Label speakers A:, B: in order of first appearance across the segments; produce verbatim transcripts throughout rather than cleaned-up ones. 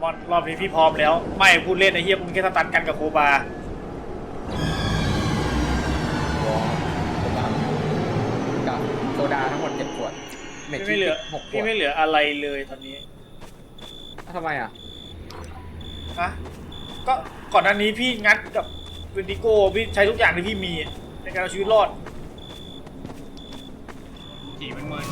A: มอนรอบนี้พี่พร้อมแล้วไม่พูดเล่นไอ้เหี้ยมึงแค่สตันกันกับโคบา
B: กับโซดาทั้งหมดเจ็ดขวด
A: พี่ไม่เหลือหกพี่ไม่เหลืออะไรเลยตอนนี้
B: ทำไมอ่ะ
A: ฮะก็ก่อนหน้านี้พี่งัดกับเวนดิโก้พี่ใช้ทุกอย่างที่พี่มีในการเอาชีวิตรอด
C: จีมันเมิน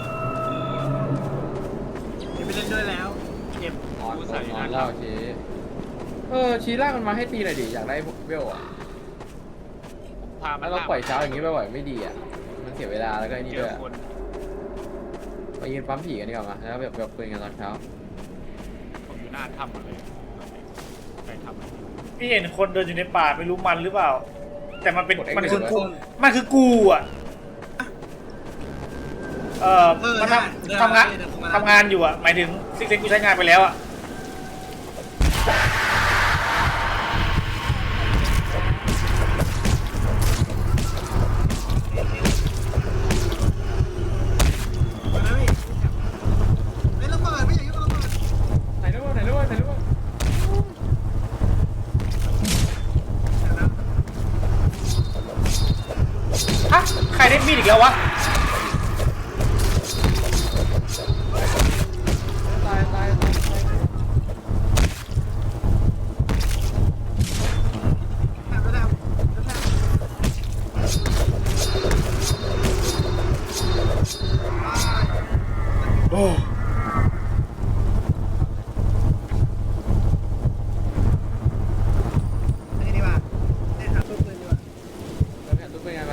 C: จะไปเล่นด้วยแล้วเก็บ
B: นอนนอนเล่าชีเออชีล่ามันมาให้ตีหน่อยดิอยากได้เวลอ่ะ
C: พา
B: แล้วเราปล่อยเช้าอย่างนี้บ่อยๆไม่ดีอ่ะมันเสียเวลาแล้วก็ไอ้นี่ด้วยไปยืนปั๊มผีกันดีกว่ามาแล้วแบบแบบคุยกันตอนเช้า
C: ผมอยู่หน้าถ้ำเลยใครทำ
A: พี่เห็นคนเดินอยู่ในป่าไม่รู้มันหรือเปล่าแต่มันเป็นมันคือกูมันคือกูอ่ะเออมันทำทำงานทำงานอยู่อ่ะหมายถึงซิกเซนกูใช้งานไปแล้วอ่ะใครได้มีดอีกแล้ววะ
B: ตายตายตาย
A: โอ้
C: นี่ดีกว่าได้หาตู้ปืนดีกว่า
B: แล้วแผ่นตู้เป็นไงไป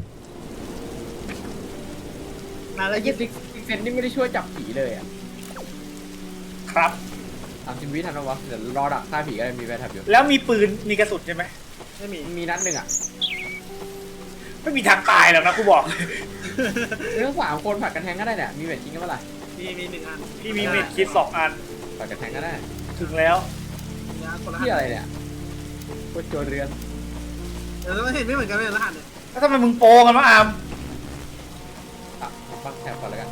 B: แล้วยี่สิบซิกเซนนี่ไม่ได้ช่วยจับผีเลยอ่ะ
A: ครับ
B: สามสิบวิทันวะเดี๋ยวรอดักฆ่าผีก็ได้มีแวร์แท็บอยู่
A: แล้วมีปืนมีกระสุนใช่ไหม
B: ไม่มีมีนัดหนึ่งอ่ะ
A: ไม่มีทางตายหรอกนะกูบอก
B: เรื่องสามคนผัดกันแทงก็ได้เนี่ยมีเวทจริงก็เมื่อไหร่
C: มีมีหนึ่งอัน
A: พี่มีเม็ดคิดสองอัน
B: ผัดกันแทงก็ได้
A: ถึงแล้ว
B: ที่อะไรเนี่ยโคตรโจรเรือน
C: เดี๋ยวเราเห็นไม่เหมือนกันเลยรหัสเนี่ย
A: แล้วทำไมมึงโปงกันวะอาม
B: ปักแท็บก่อนแล้วกัน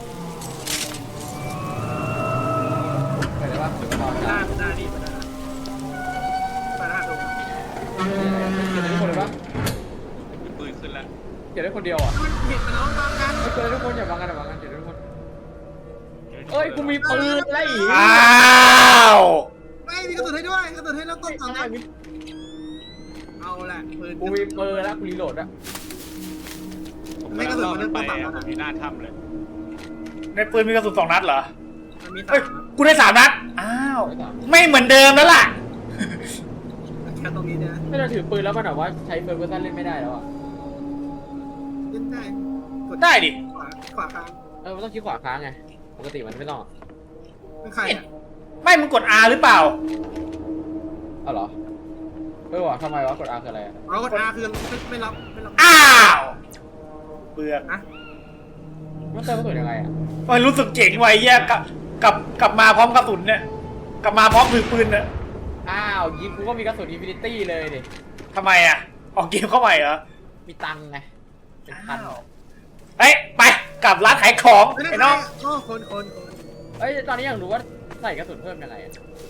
B: ไปได้ปะหรือว่า
C: ได้ได้ดีไปได้ไปได้ดู
B: เก็บได้ทุกคนเลยปะ
C: ปืนขึ้นแล้ว
B: เก็บได้คนเดียวอ่ะ
C: เห็นมันน้องบางกัน
B: เก็บได้ทุกคนอย่าบางกันอย่าบางกันเก็บได้ทุกคนเอ้ยกูมีปืนอะไรอีก
A: อ้าว
C: ไม่มีกระสุนให้ด้วยกระสุนให้แล้วต้นสองนัดเอาแหละปืน
B: กูมีปืนแล้วกูรีโหลดอะ
C: ไม่กระสุนมันเป็นปืนแบบนั้นมีหน้าถ้ำเลย
A: ในปืนมีกระสุนสองนัดเหรอ
C: เฮ้ย
A: กูได้สามนัดอ้าวไม่เหมือนเดิมแล้วล่ะ
C: แค่ตรงนี้เนี่ย
B: ไม่เราถือปืนแล้วมันแบบว่าใช้ปืนเวอร์ชันเล่นไม่ได้แล้วอ่ะ
C: เล่นได้
A: ได้ดิ
C: ขวาขวาค้าง
B: เออมันต้องคลิกขวาค้างไงปกติมันไม่ต้อง
C: เป็นใครอ่ะ
A: ไม่มึงกด R หรือเปล่า
B: อ๋อเหรอเออวะทำไมวะกด R คืออะไร
C: อ๋อกด R คือไม่รับไม่รับ
A: อ้าวเบื่อ
C: อะ
B: มันเติมกระสุนยังไงอ่ะ
A: มันรู้สึกเจ๋งไว้แยกกับกับกลับมาพร้อมกระสุนเนี่ยกลับมาพร้อมถือปืนเนี่ย
B: อ้าวยิงกูก็มีกระสุนอินฟินิตี้เลยดิ
A: ทำไมอ่ะออกเกมเข้าใหม่เหรอ
B: มีตังไงเป็นพัน
A: เฮ้ยไปกลับร้านขายของไอ้น้อง
C: โอ้คนคนคน
B: เอ้ยตอนนี้อยากรู้ว่าใส่กระสุนเพิ่มยังไง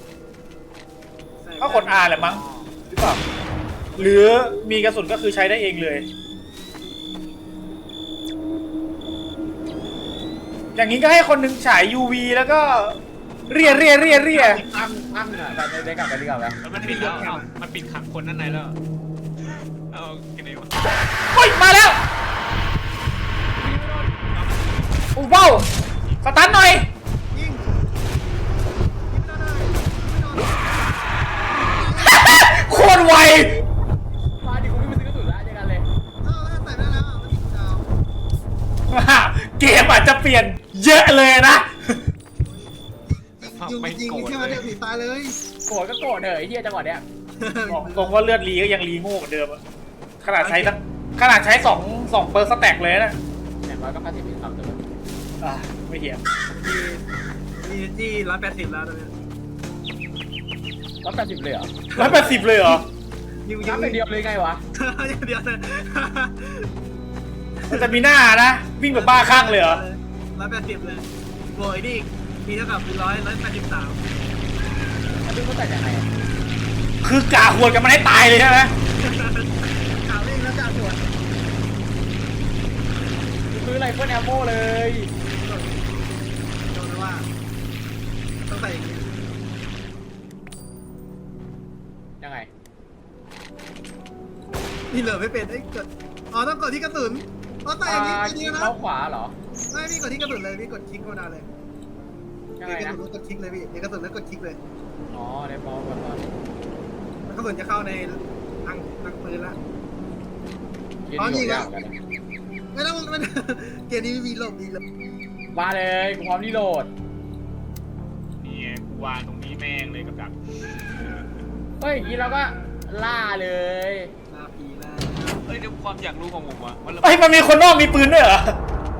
A: ก็กด R แหละมั้งหรือเปล่าหรือมีกระสุนก็คือใช้ได้เองเลยอย่างนี้ก็ให้คนหนึ่งฉาย ยู วี แล้วก็เรียเรียเรียเรีย
B: ตั้งตั้งอ่ะไปได้กลับไปดีกว่าไหม
C: มันปิดแล้วมันปิดขังคนด้านในแล้วเอากินเองวะ
A: เฮ้ยมาแล้วอู้ว้าวสตาร์ทหน่อยยิงโคตรไว
B: มาดิกูไม่ไปซื้อกระสุนแล้วยังไงเลย
C: เออใส่ได้แล้วมันติดดาว
A: เกมอาจจะเปลี่ยนเยอะเลยนะ
C: ยิงยิงแค่มาเดียวผีตายเลย
B: โกรธก็โกรธเลยไอ้เหี้ยจังหวะเนี้ย
A: บอกตรงว่าเลือดรีก็ยังรีโง่เหมือนเดิมอะขนาดใช้ขนาดใช้สองสองเปอร์สแต็กเลยนะ
B: อย่างน้อยก็พัฒนาความตัว
A: อ่าไม่เหี้ย
C: มีที่ร้อยแปดสิบแล้วตอนนี้
B: ร้อยแปดสิบเลยเหรอ
A: ร้อยแปดสิบเลยเหรอ
B: ยิงยิงเดียวเลยไงวะ
C: เดียวเลย
A: มันจะมีหน้านะวิ่งแบบบ้าข้างเลยเหรอ
C: ร้อยแปดสิบเลยโวยดิมีเท่ากับร้อยร้อยแปดสิบสาม
B: ซึ่งเขาแต่ยังไง
A: คือกาหัวกันมันให้ตายเลยใช่ไหม
C: ข่าวเองแล้วจ่าหัว
B: ซื้อไรเฟิลแอมโมเลย
C: โดนว่าต้องใส่อย่างนี้
B: ยังไง
C: นี่เหลือไม่เป็นไอ้กดอ๋อต้องกดที่กระสุนอ๋อใส่อย่างนี้
B: อ่า
C: อัน
B: คลิ
C: นี้
B: ก
C: นะ
B: เข้าขวาเหรอ
C: ไม่พี่กดที่กระสุนเลยพี่กดคลิกธรรมดาเลย
B: ยังไง
C: กระ
B: นะ
C: สุนแล้วกดคลิกเลยพี่เดี๋ยวกระสุนแล้วกดคลิกเลย
B: อ๋อได้บอลก่อนก่อน
C: แล้วกระสุนจะเข้าในทางทางปืนละ
B: ยืน
C: อ๋อนี่
B: อยู่
C: ไง
B: ยากเหมือนกันนะ
C: ไม่ต้องมัน เกมนี้มีหลบดีเลย
B: มาเลยกูพร้อมรีโหลด
D: นี่ไงกูวางตรงนี้แม่งเลยกับดัก
B: เฮ้ยอย่างนี้เราก็ล่าเลย
C: ลาปีละ
D: เอ้ยเดี๋ยวความอยากรู้ของผมวะว่าเรา
A: ไอ้ยมันมีคนนอกมีปืนด้วยเหรอ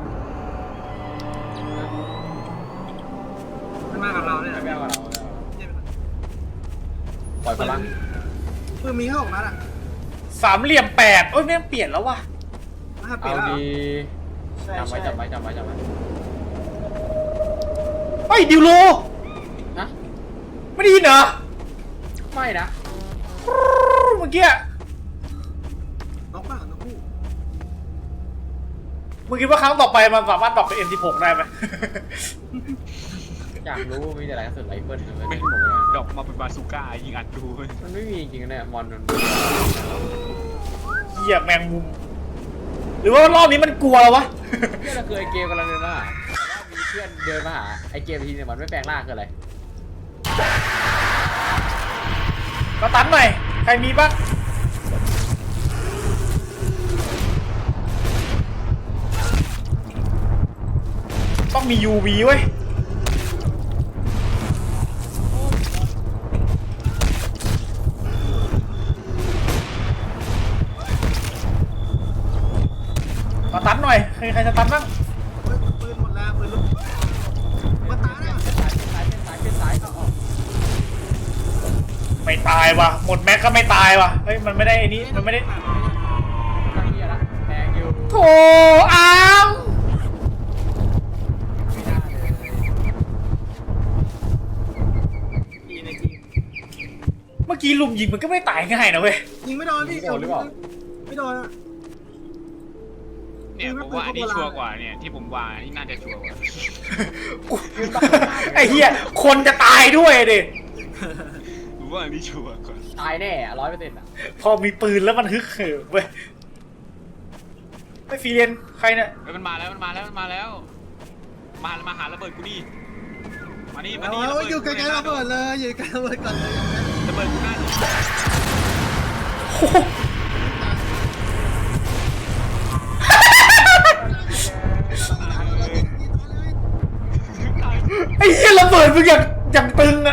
C: มันมากับเราเนี่ย
B: ไม่เอากับเราไม่เอาปล่อยพลัง
C: ปืนมีแค่หกนัดอ่ะ
A: สามเหลี่ยมแปดโอ้ยแม่งเปลี่ยนแล้วว่ะ
C: น่าเปลี่ย
B: เอา
C: นแล้ว
B: ดี
A: ใช่
B: จำไว้
A: ใช่
B: จำไว้จำไว้จำไว้
A: เฮ้ยดิวโล
B: นะ
A: ไม่ได้ยินเหรอ
B: ไม่นะ
A: เมื่อกี้
C: น้องเปล่าน้องคู่
A: มึงคิดว่าครั้งต่อไปมันสามารถตอบเป็น เอ็ม สิบหก ได้ไหม
B: อยากรู้มีแต่อะไรกระสุนไรเฟิลเลย
D: ไม่
B: ไม่บอกเลย
D: ดอกมาเป็นบาซูก้ายิงอัดดูเว้ย
B: มันไม่มีจริงๆเนี่ยมอนมัน
A: เหยียบแมงมุม หรือว่ารอบนี้มันกลัวแล้ววะ
B: เพื่อนเราเคยเกมกำลังเดินมาหาแต่ว่ามีเพื่อนเดินมาหาไอเกมทีเนี่ยมันไม่แปลงร่างคืออะไร
A: มาตันหน่อย ใครมีบ้าง ต้องมี ยู วี เว้ย มาตันหน่อย ใครใครจะตันบ้าง
C: เฮ้ยปืนหมดแล้วปืนลูกมาตายได้ก่อน
B: สายเป็นสายเป็นสายเป็นสายเอาออก
A: ไม่ตายว่ะ หมดแม็กก็ไม่ตายว่ะ เฮ้ย มันไม่ได้ไอ้นี้ มันไม่ได้
B: ข้างนี้ละแดงอยู่
A: โถอ้าว
B: ไม่ได้เลย
C: ดีในทีม
A: เมื่อกี้ลุมยิงมันก็ไม่ตายง่ายนะเว้ย
C: ยิงไม่โดนพี่ไม่โดนอ่ะ
D: เนี่ยผมว่าอันนี้ชัวร์กว่าเนี่ยที่ผมวางอันนี้น่าจะชัวร์กว่า
A: ไอ้เหี้ย คนจะตายด้วยดิ
D: ผมว่าอันนี้ชัวร์กว่า
B: ตายแน่ร้อยเปอร์เซ็นต์อ่ะ
A: พอมีปืนแล้วมันฮึกเหิมเว้ยไม่ฟรีเรียนใครเนี่ย
D: เฮ้ยมันมาแล้วมันมาแล้วมันมาแล้ว มามาหาระเบิดกูดิมานี่มานี่
C: เอาอยู่ไกลๆระเบิดเลยอยู่ไกลระเบิดก่อนเลย
D: ระเบิดกูหน้าดิ
A: โอ้โหไอ้เหี้ยระเบิดมึงอย่างอย่างตึงอะ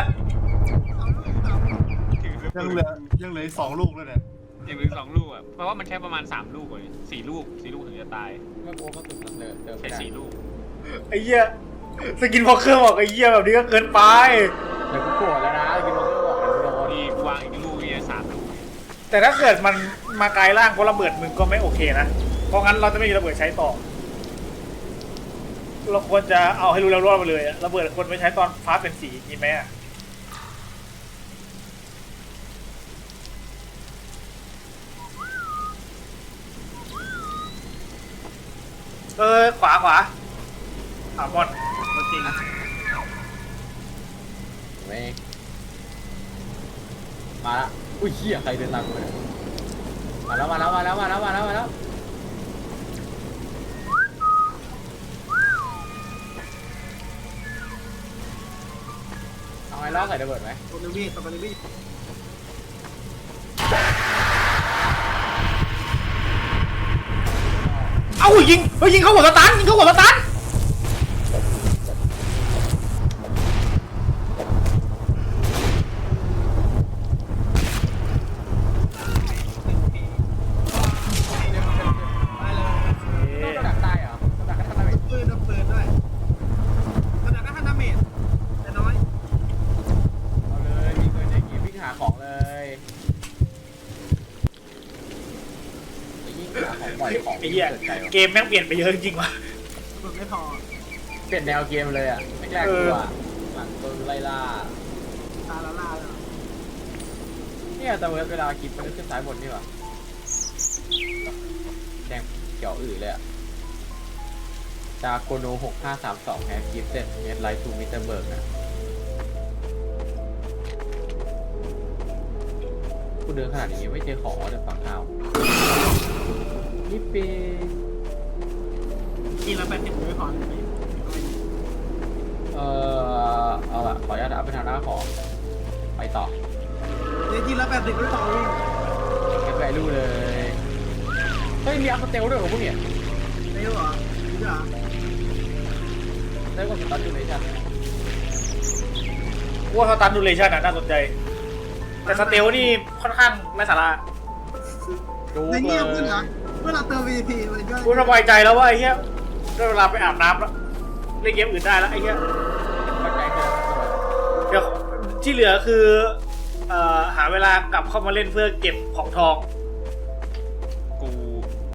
E: ยังเหลือยังเหลืออีกสองลูกเลยเนี่ย
D: ยังเหลือสองลูกอ่ะเพราะว่ามันใช้ประมาณสามลูกเลยสี่ลูกสี่ลูกถึงจะตาย
B: เมื่อกลัวก็ตุ่มเดินเดิน
D: ใช้
B: ไม่ได้
D: สี่ลูก
A: ไอ้เหี้ยสกินพอเครื่องบอกไอ้เหี้ยแบบนี้ก็เกินไป
B: เดี๋ยวกูโกรธแล้วนะกินโมเกอร์บอกเดี๋ยวกูโดน
D: นี่กูวางอีกลูกนี่สามลูก
A: แต่ถ้าเกิดมันมาไกลล่างเพราะระเบิดมึงก็ไม่โอเคนะ เพราะงั้นเราจะไม่มีระเบิดใช้ต่อ เราควรจะเอาให้รู้แล้วรอดไปเลยอะระเบิดควรไปใช้ตอนฟ้าเป็นสีจริงไหมอะเออขวาขวาขวาบอล
C: จริง
B: ไม่มาละอุ้ยเหี้ยใครเดินตามกูเนี่ยมาแล้วมาแล้วมาแล้วมาแล้วมาแล้วมาแล้วเอาไงล้อใส่ระเบิดไหม
C: ตัวนึงพี่ตัวนึงพี่
A: เอ้ายิงเฮ้ยยิงเข้าหัวสตันยิงเข้าหัวสตันไอ้เหี้ยเกมแม่งเปลี่ยนไปเยอะจริงๆว่ะ
C: มันไม่พอ
B: เปลี่ยนแนวเกมเลยอ่ะไม่แรกกูอ่ะหลังตัวไล่ล่า
C: ตาละล่าแล้ว
B: เนี่ยแต่เวลาคลิปมันขึ้นซ้ายบนนี่หว่าแดงเขียวอื่นเลยอะจาโกโนหกห้าสามสองแฮกกิฟเซ็ตเมดไลท์ทูมิเตอร์เบิร์กนะกูเดินขนาดนี้ไม่เจอของเลยฝั่งข้าวนี่เป
C: กินแล้วแปดสิบไม่พอ
B: เอ่อเอาละขออนุญาตอัพไปทางหน้าของไปต่อ
C: เดี๋ยวกินแล้วแปดสิบไม่พอวิ่ง
B: เก็บแวลูเลยเฮ้ยมีอัพสเตลด้วยเหรอพวกเนี่ย
C: ไม่รู้เหรอรู้เหรอ
B: ได้กว่าสตาร์ทดูเลยใช่ไหม
A: กูว่าสตาร์ดูเลชั่นอ่ะน่าสนใจ แต่สเตลนี่ค่อนข้างไร้สาระ
B: ดู
C: ใน
B: เล
C: เงี
B: ย
C: ยบขึ้นนะเวลาเติม วี พี มันก็
A: กูสบายใจแล้วว่าไอ้เหี้ยได้เวลาไปอาบน้ำแล้วเล่นเกมอื่นได้แล้วไอ้เหี้ย
B: ปัจจัยคือ
A: เดี๋ยวที่เหลือคือเอ่อหาเวลากลับเข้ามาเล่นเพื่อเก็บของทอง
D: กู